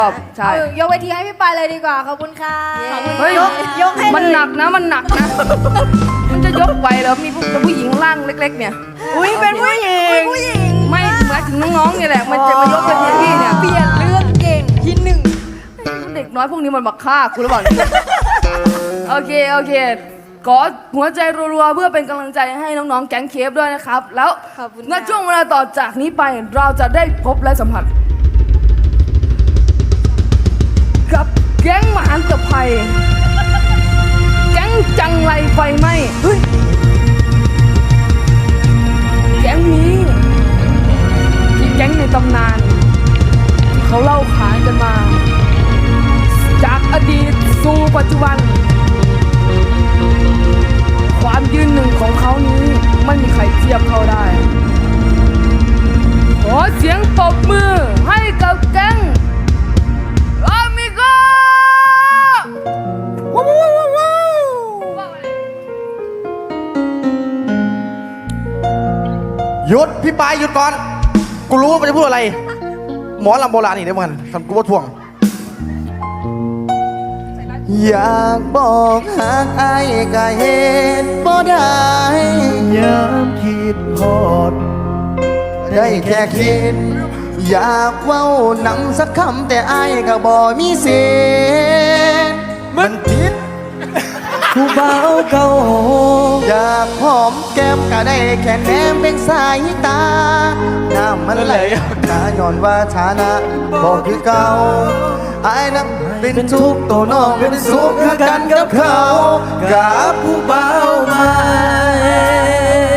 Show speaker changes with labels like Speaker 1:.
Speaker 1: ใช่
Speaker 2: ยกเวทีให้พี่ปายเลยดีกว่าขอบคุณค่ะ
Speaker 1: เฮ้ย
Speaker 2: ยกให้
Speaker 1: มันหนักนะมันหนักนะมันจะยกไหวเหรอมีผู้หญิงร่างเล็กๆเนี่ย
Speaker 2: อุ้ยเป็นผู้หญิง
Speaker 1: ไม่หมายถึงน้องๆเนี่ยแหละมันจะมายกเป็นพี่เนี่ย
Speaker 2: เปลี่ยนเรื่องเก่งที่หนึ่ง
Speaker 1: เด็กน้อยพวกนี้มันบักฆ่าคุณหรือเปล่าโอเคขอหัวใจรัวๆเพื่อเป็นกำลังใจให้น้องๆแก๊งเคฟด้วยนะครับแล้วณช่วงเวลาต่อจากนี้ไปเราจะได้พบและสัมผัสกับแก๊งมหันตภัยแก๊งจังไรไฟไหม้แก๊งนี้ที่แก๊งในตำนานที่เขาเล่าขานกันมาจากอดีตสู่ปัจจุบันความยืนหนึ่งของเขานี้ไม่มีใครเทียบเขาได้ขอเสียงปรบมือให้กับแก๊งอามิโก
Speaker 3: หยุดพี่ปายหยุดก่อนกูรู้ว่ามันจะพูดอะไรหมอลำโบราณนี่ได้เหมือนทำกูว่าทวงอยากบอกหากอายก็เห็นบ่ได้ยามคิดฮอดได้แค่คิดอยากเว้านำสักคำแต่อายก็บ่มีเสียงมันผิดผู้เบาเก่าอยากหอมแก้มก็ได้แค่แนมเป็นสายตาน้ำมันไหลตาย้อนว่าฐานะบอกคือเก่าอายนั้นเป็นทุกข์ตัวน้องเป็นสุขคือกันกับเขากับผู้เบาใหม่